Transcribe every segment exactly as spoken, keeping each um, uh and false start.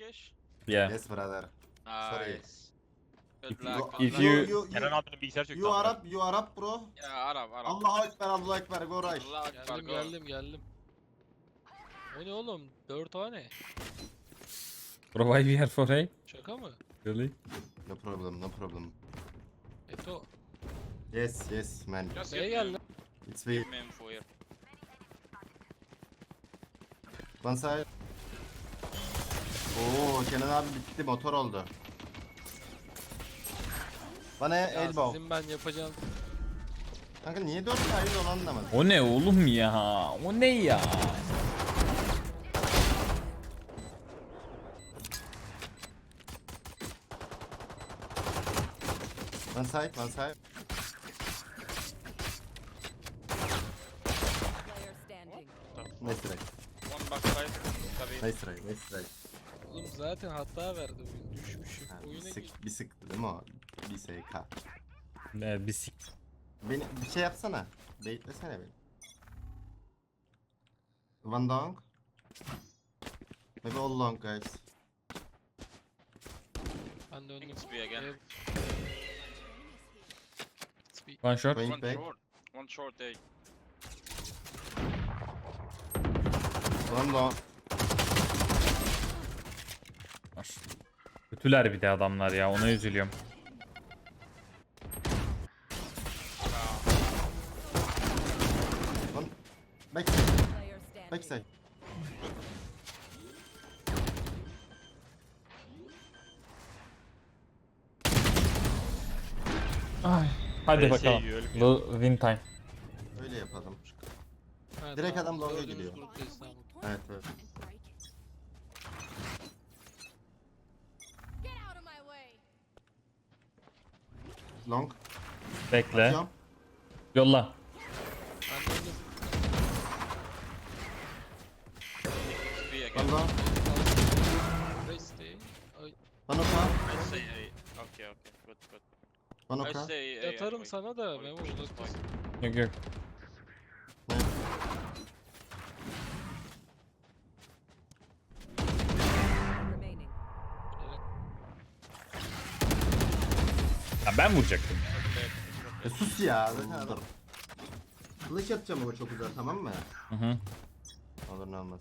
Turkish? Yeah. Yes brother. Sorry. Nice. Good If luck. you- good if luck. you- you, Kenan abinin bilgisayar çöktü. you amına. Arap, you Arap bro. Yeah, Arab, Arab. Allahu Ekber, Allahu Ekber, go right. Allah Akbar, Geldim go. geldim geldim. O ne oğlum? Dört tane. Bro, why we are for A? Şaka mı? Really? No problem, no problem. Eto. Yes, yes man. Just Neye give geldi? me, It's we. give me info here. One side. Oo, Kenan abi bitti, motor oldu. Bana Ya elbow. sizin ben yapacağım. Kanka niye dört side onu anlamadım. O ne oğlum ya? O ne ya? One side, one side. Player standing. Nice try. One backside. Tabii. Nice try, nice try. Oğlum zaten hata verdi oyun. Düşmüşüm. Ha, bir, Oyuna gir. sık, bir sıktı değil mi o? Bir S K. Ne bir sik. Beni bir şey yapsana. Beklesene beni. One long. Maybe all long guys. Ben döndüm. It's B again. Evet. It's B. One shot. Going One back. short. One short A. One long. Kötüler bir de adamlar ya, ona üzülüyorum. One. Backside. Player standing. Backside. Ay. Hadi Neyse, bakalım. iyi, ölmüyor. Bu win time. Öyle yapalım. Ha, Direkt tamam. adam long'a Dördünüz gidiyor. gruptayız, tamam. Evet evet. Get out of my way. Long. Bekle. Atıyorum. Yolla. Ben döndüm. It's B One again. long. Rest'teyim. Ay, One oka. I say A. Okay, okay. Good, good. One I oka. say A. yatarım anyway. sana da Or Memo push this uzaktasın. point. Yok yok. Remaining. Ya ben vuracaktım. E sus ya. Zaten adam. Kılıç atacağım ama çok güzel, tamam mı? Hı hı. Olur ne olmaz.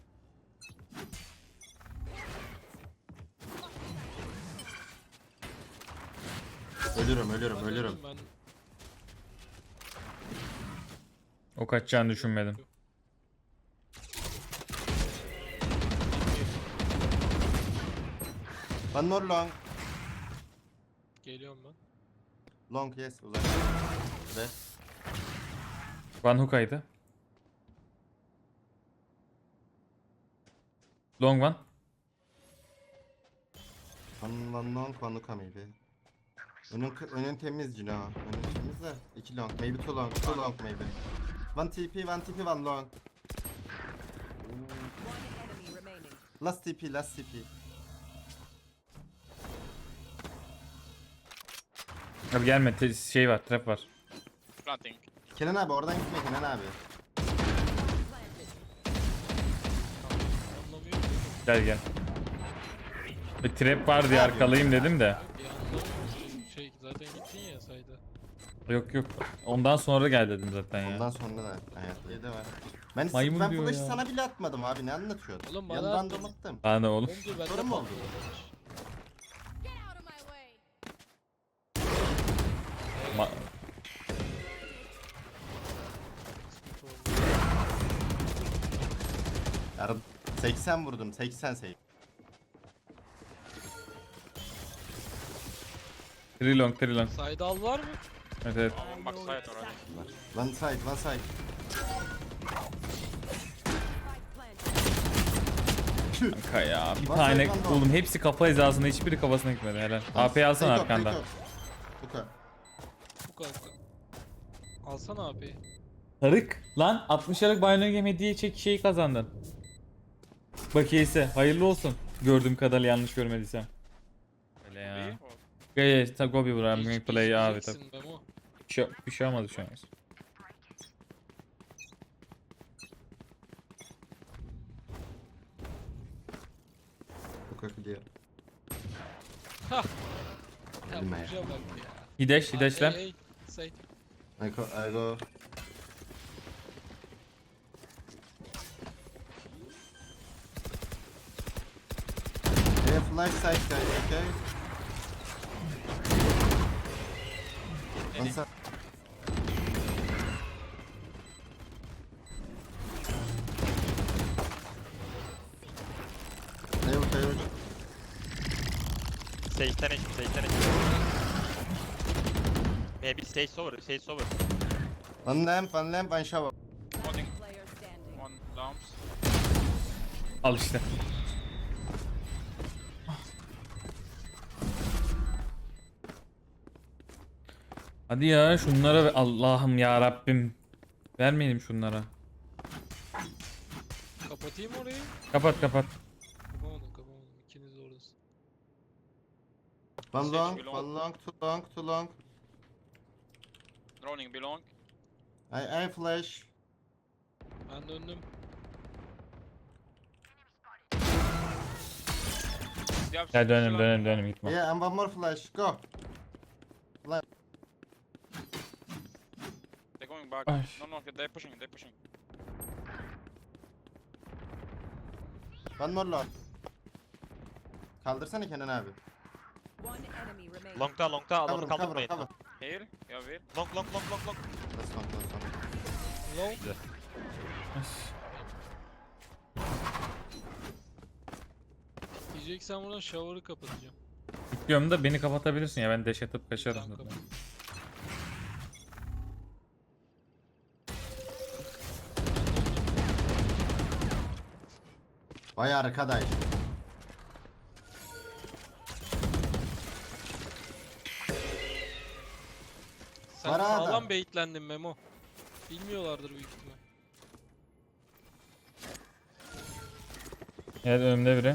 Ölürüm ölürüm Ben ölürüm. döndüm, ben. O kaçacağını düşünmedim. One more long. Geliyorum ben. Long yes uzak. Ve One hook'aydı. Long one. one, one long one hook maybe. Önün, önün temiz Cino. Önün temiz de. iki long. Maybe two long. Two long maybe. One T P, one T P, one long. One enemy remaining. Last T P, last T P. Abi gelme, te- şey var, trap var. Planting. Kenan abi oradan gitme Kenan abi. Anlamıyorum. Gel gel. Bir trap var diye arkalayayım dedim de. Bir anlamıyorum. Şey zaten gittin ya sayda. Yok yok. Ondan sonra gel dedim zaten ya. Ondan sonra da hayat yedi var. Ben, Maymun ben diyor flash'ı ya. sana bile atmadım abi, ne anlatıyordun? Oğlum bana Yandan attın. domattım. Bana ne oğlum? Önce bende Sorun mu oldu? patlıyor. Get out of my way. Ma- Sıkıntı oldu. Yarın seksen vurdum, seksen save. Three long, three long. Sayda al var mı? Evet evet. One backside already. One side, one side. Spike planted. Kanka ya. Bir Bak, tane bak, bak. oğlum hepsi kafa hizasında, hiçbiri kafasına gitmedi helal. A P'yi alsana Take off, arkanda. take off. Bu kadar. Bu kanka. Alsana abi. Tarık lan altmış liralık Binary Game hediye çek şeyi kazandın. Bakiyesi hayırlı olsun. Gördüğüm kadarıyla yanlış görmediysem. Öyle ya. B or- Gaya ta go be bro, I'm going to play abi tabi. Geçmeyeceksin Memo. Bir şey, bir şey olmadı şu an. Coca clear. Ha. Ya Bilme ya. buraya bak ya. Hideş, Aa, hideşler. ey, ey, Side. I go, I go. Yeah, flash side guys, okay? One side. Tail, tail. Stage'den eşim, stage'den eşim. Maybe stage over, stage over. One lamp, one lamp, one shower. One, Player standing. one lamps. Al işte. Hadi ya şunlara ver- Allah'ım ya Rabbim. Vermeyelim şunlara. Kapatayım orayı. Kapat kapat. Kapamadım kapamadım. İkiniz de oradasın. One Sage long, below. one long, too long, too long. Droning belong. I, I flash. Ben döndüm. They have Gel dönelim still dönelim dönelim gitme. Yeah, and one more flash. Go. They're going back. Ay. No, no, they're pushing, they're pushing. One more long. Kaldırsana Kenan abi. One enemy remaining. Long'da, long'da Cover adamı him, cover him, kaldırmayın. cover. Here, yeah, here. Long, long, long, long, long. That's one, that's one. Low. Diyeceksen buradan shower'ı kapatacağım. Bekliyorum da beni kapatabilirsin ya ben dash atıp kaçarım. Tamam, zaten. kapat. Vay arkadaş. Sen Var adam. sağlam bait'lendin Memo. Bilmiyorlardır büyük ihtimal. Evet önümde biri.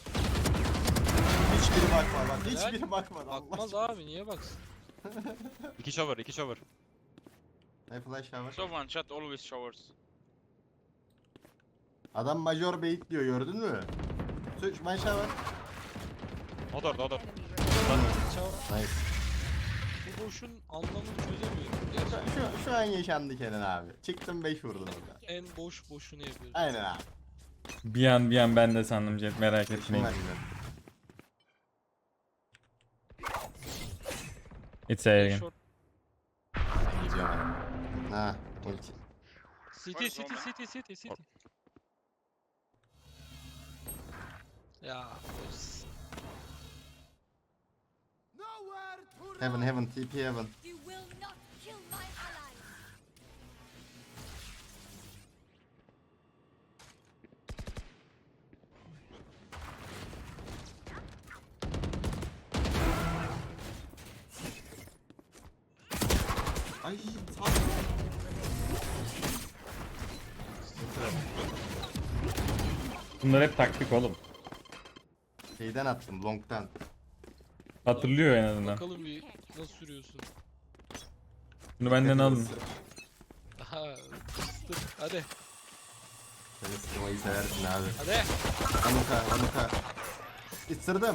Hiçbiri bakma bak. Helal. Hiçbiri bakmadı. Bakmaz Allah. abi niye baksın? İki shower, iki shower. I flash shower. So one shot always showers. Adam major bait diyor gördün mü? Switch my shower. O da orada, o da. Enemy remaining. Çav- Nice. Bu boşun anlamını çözemiyorum. Şu, Gerçekten şu, şu an yaşandı Kenan abi. Çıktım beş vurdum orada. en boş boşunu yapıyorum. Aynen abi. Bir an bir an ben de sandım Jet merak Şunu etmeyin. ver bize. It's A again. Short. Gidiyorum abi. Ha, ulti. City, Where's city, Roma? city, city, city. Ya. boş. Heaven, heaven, T P heaven. You will not kill my allies. Ay, sağ Bunlar hep taktik oğlum. Şeyden attım, long'dan. Hatırlıyor en azından. Bakalım bir nasıl sürüyorsun. Bunu benden alın. Aha. Fıstık. Hadi. Sen ısırmayı seversin abi. Hadi. Anuka, anuka. Isırdım.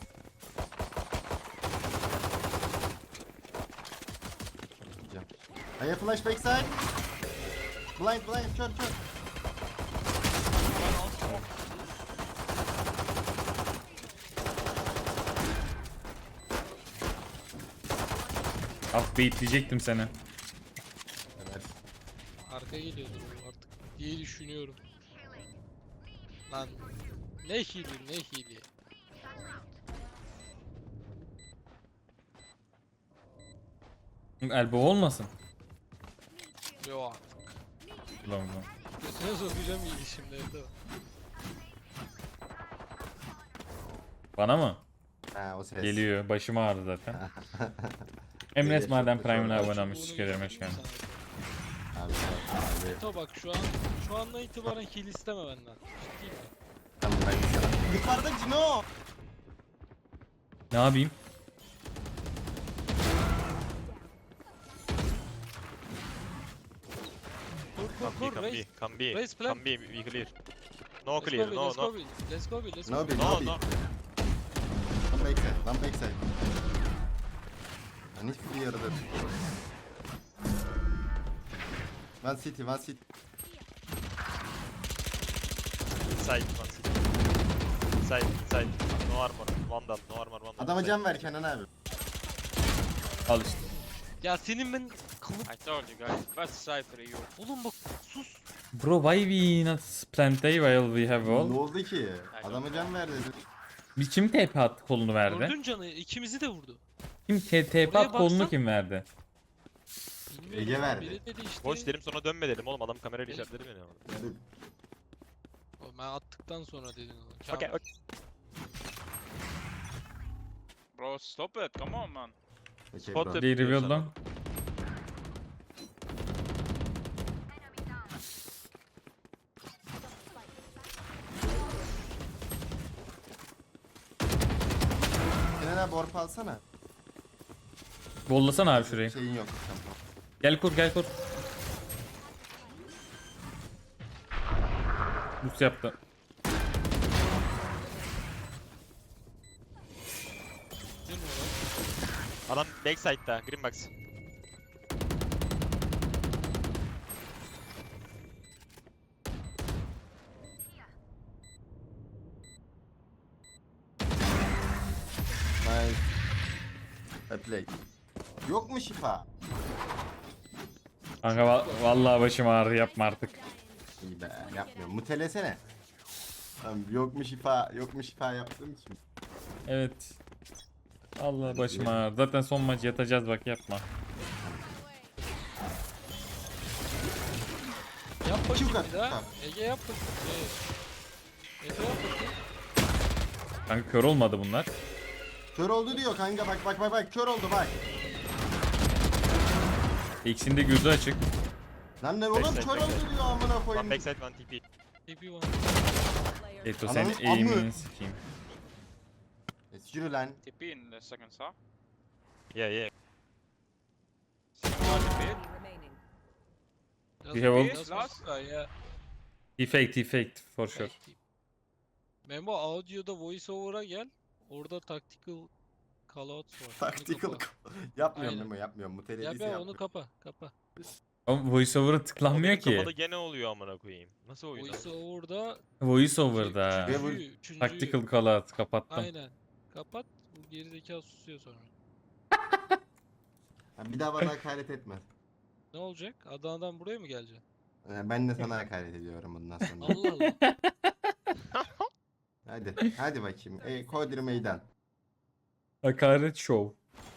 Gideceğim. I have flash backside. Blind, blind, kör, kör. Ah beyitleyecektim seni. Evet. Arka geliyordur bu artık diye düşünüyorum. Lan ne hili ne hili. Elbow olmasın. Yo artık. Ulan ulan. Götüne sokacağım hili şimdi evde. Bana mı? Ha, o ses. Geliyor. Başım ağrıdı zaten. Emres Geliyor, Maden çok Prime'ına çok abone olmuş. Bunu Teşekkür ederim. Hoş götüreyim geldin. sana. Abi, abi. Eto bak şu an şu andan itibaren heal isteme benden. Ciddiyim ben. Tamam, ben sana. Yukarıda Cino. Ne yapayım? Kur kur Come B, kur come B, reis. come B. Raise plan. Come B, we clear. No Let's clear, go B, no let's no. go B. Let's go B, let's go No B. B, No no B. no. Lan backside, lan backside. Ben hiçbir yarıda tutuyorum. One city, one city. Inside, one city. Inside, inside. No armor, vandal, no armor, vandal. Adama inside. can ver Kenan abi. Al işte. Ya senin ben kılıp... I told you guys. Best Cypher you. Oğlum bak sus. Bro, why we not plant A while we have Ne all? oldu ki? Adama can ver dedi. Bir kim T P attı kolunu verdi? Gördün canı ikimizi de vurdu. Kim T P Oraya at kolunu baksan- kim verdi? Bilmiyorum Ege ya, verdi. Biri dedi işte. Boş dedim sonra dönme dedim oğlum adam kamerayla işaretledi beni ama. Yani O, Ben attıktan sonra dedin onu. Okay, Çağır. okay. Bro, stop it. Come on, man. okey Spot bro. tip. They revealed sana. long. Kenan abi orp alsana. Bollasana abi şurayı. Şeyin yok. Tamam. Gel kur gel kur. Boost yaptı. Değil mi o lan? Adam backside'da, green box. Nice. I play. Yok mu şifa? Kanka va- vallahi başım ağrı, yapma artık. İyi be yapmıyorum. Mutelesene. Tamam, yok mu şifa? Yok mu şifa yaptığım için. Evet. Allah başım ağrı. Zaten son maç yatacağız, bak yapma. Yap bakayım Çık bir daha. at, Ege yap bakayım. Ee, Efe yap bakayım. Kanka kör olmadı bunlar. Kör oldu diyor kanka, bak bak bak bak kör oldu bak. İkisinin de gözü açık. Lan ne oğlum Backside, kör oldu backside. diyor amına One koyayım. backside, one T P. T P one. Player Eto Ananı senin aim'ini amı. sikeyim. Es yürü lan. T P in the second saw. Yeah yeah. Second T P. enemy remaining. We have all- Just last guy ya. He faked, he faked for sure. Memo audio'da voice over'a gel. Orada tactical callouts var. Onu Tactical. kapa. Yapmıyorum Aynen. Memo yapmıyorum. Ya Mutelesi ben onu yapmıyorum. kapa, kapa. Ama voiceover'a tıklanmıyor O benim ki. kafada gene oluyor amına koyayım. Nasıl oyun? Voice over'da Voiceover'da. Ve bu- üçüncü, üçüncü, Tactical callout kapattım. aynen. Kapat. Bu gerizekalı susuyor sonra. Ha, bir daha bana hakaret etme. Ne olacak? Adana'dan buraya mı geleceksin? Ee, Ben de sana hakaret ediyorum bundan sonra. Allah Allah. Hadi hadi bakayım. E, Kodir meydan. Hakaret show.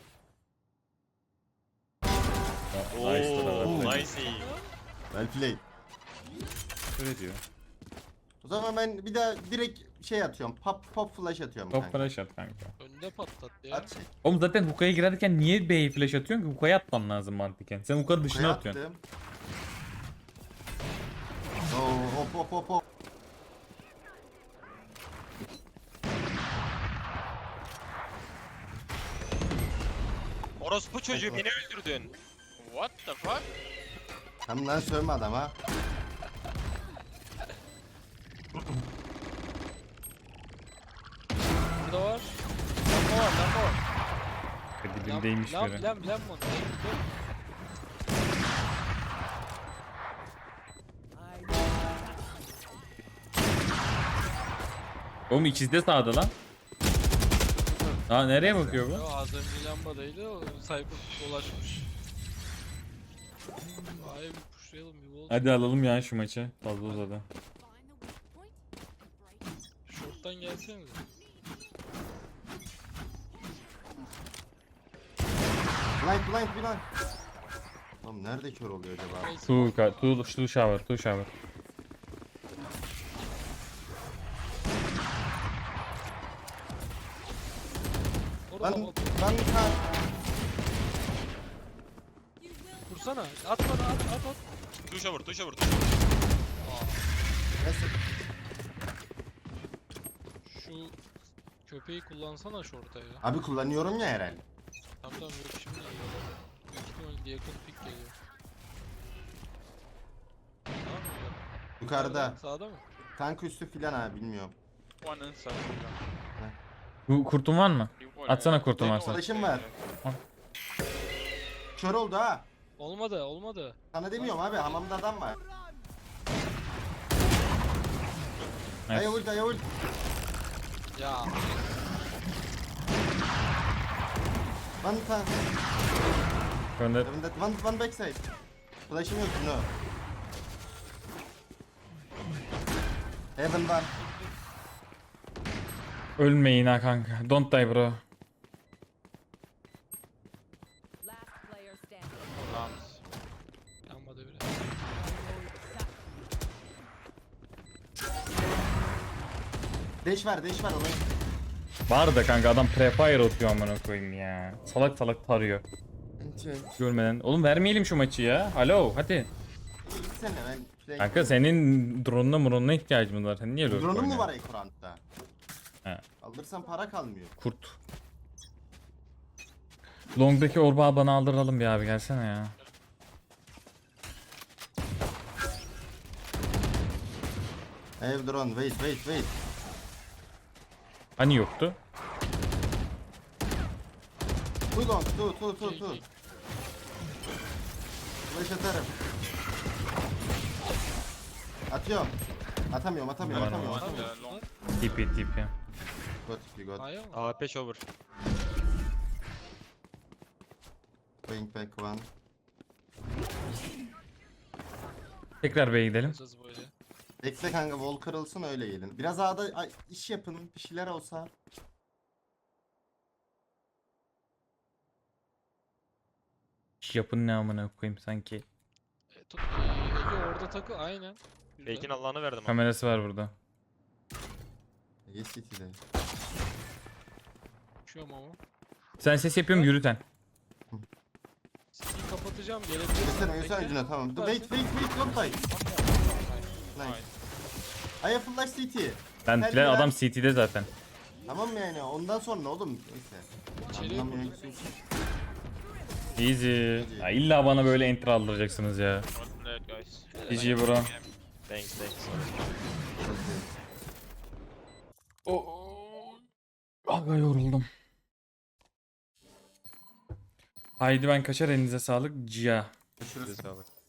Oo, Nice tarafı. nice aim. Well played. Öyle diyor. O zaman ben bir daha direkt şey atıyorum. Pop pop flash atıyorum Top kanka. flash at kanka. Önde patlat ya. At şey. Oğlum zaten hookah'a girerken niye B'ye flash atıyorsun ki? Hookah'a atman lazım mantıken. Sen hookah'ın dışına Kaya atıyorsun. attım. Oo, hop hop hop hop. Orospu çocuğu beni öldürdün. What the fuck? Tam lan sövme adama. Burada var. Lamba var, lamba var. Dibindeymiş Lam, biri. lam, lam, lam, lam. Oğlum ikisi de sağda lan. Aa nereye bakıyor bu? Yo, az önce lambadaydı, o Cypher dolaşmış. Ay bir pushlayalım bir wall. Hadi alalım ya şu maçı. Fazla uzadı. Short'tan gelsenize. Blind blind blind. Oğlum nerede kör oluyor acaba? Neyse. Two, ka- two, two shower, two shower. Orada Lan lamba. lan ha. Vursana. At bana, at, at, at. Two shower, two shower, two shower. Neyse. Şu köpeği kullansana short'a ya. Abi kullanıyorum ya herhalde. Tamam tamam yok şimdi. Büyük ihtimalle yakın pick geliyor. Tamam mı? Yukarıda. Sağda mı? Kanka üstü filan ha bilmiyorum. One inside. yeah. Bu kurtun var mı? Revolver, Atsana yeah. kurtum Don't varsa. know Flash'ım what's var. there, Kör oldu ha. Olmadı olmadı. Sana demiyorum abi hamamda adam var. Evet. Aya ult aya ult. Ya One time. Gönder. Heaven dead. One, one backside. Flash'ım yok no. Heaven var. Ölmeyin ha kanka. Don't die bro. Last player standing. yeah. Lance. yanmadı bile. Dash var dash var ona. Var da kanka adam prefire atıyor amına koyayım ya. Salak salak tarıyor. Görmeden. Oğlum vermeyelim şu maçı ya. Alo hadi. Gitsene ben play. Kanka senin drone'una muronuna ihtiyacımız var. Sen niye öyle Drone'un mu oynuyorsun? var ekranda? He. Alırsan para kalmıyor. Kurt. Long'daki orbağı bana aldıralım bir abi gelsene ya. Have drone wait wait wait. Hani yoktu? Too long too too too İki, too. iki. Flash atarım. Atıyorum. Atamıyorum atamıyorum Var, atamıyorum. One atamıyorum. uh, long. Tip it tip ya. Got you got. Aya mı? A P shower. Going back one. Tekrar B'ye gidelim. Yapacağız böyle. Bekle kanka wall kırılsın öyle gelin. Biraz A'da ay, iş yapın bir şeyler olsa. İş yapın ne amına koyayım sanki. E, to- e, Ege orada takı aynen. Güzel. Fake'in Allah'ını verdim. ama. Kamerası var burada. Yes City'de. Uçuyorum ama. Sen ses yapıyorum yürüten. City'yi kapatacağım gelebilir. Gösterme gösterme Cino tamam. Wait wait wait don't die. Nice. Nice. Aya flash City. Ben Hadi plan lan. adam C T'de zaten. Tamam yani ondan sonra oğlum neyse. İçeriye Anlamıyorum vurdum. ki. Easy. Ya illa bana böyle enter aldıracaksınız ya. Not late, guys. G G bro. Thanks thanks. Aga yoruldum. Haydi ben kaçar elinize sağlık. Cia. Görüşürüz. Görüşürüz abi.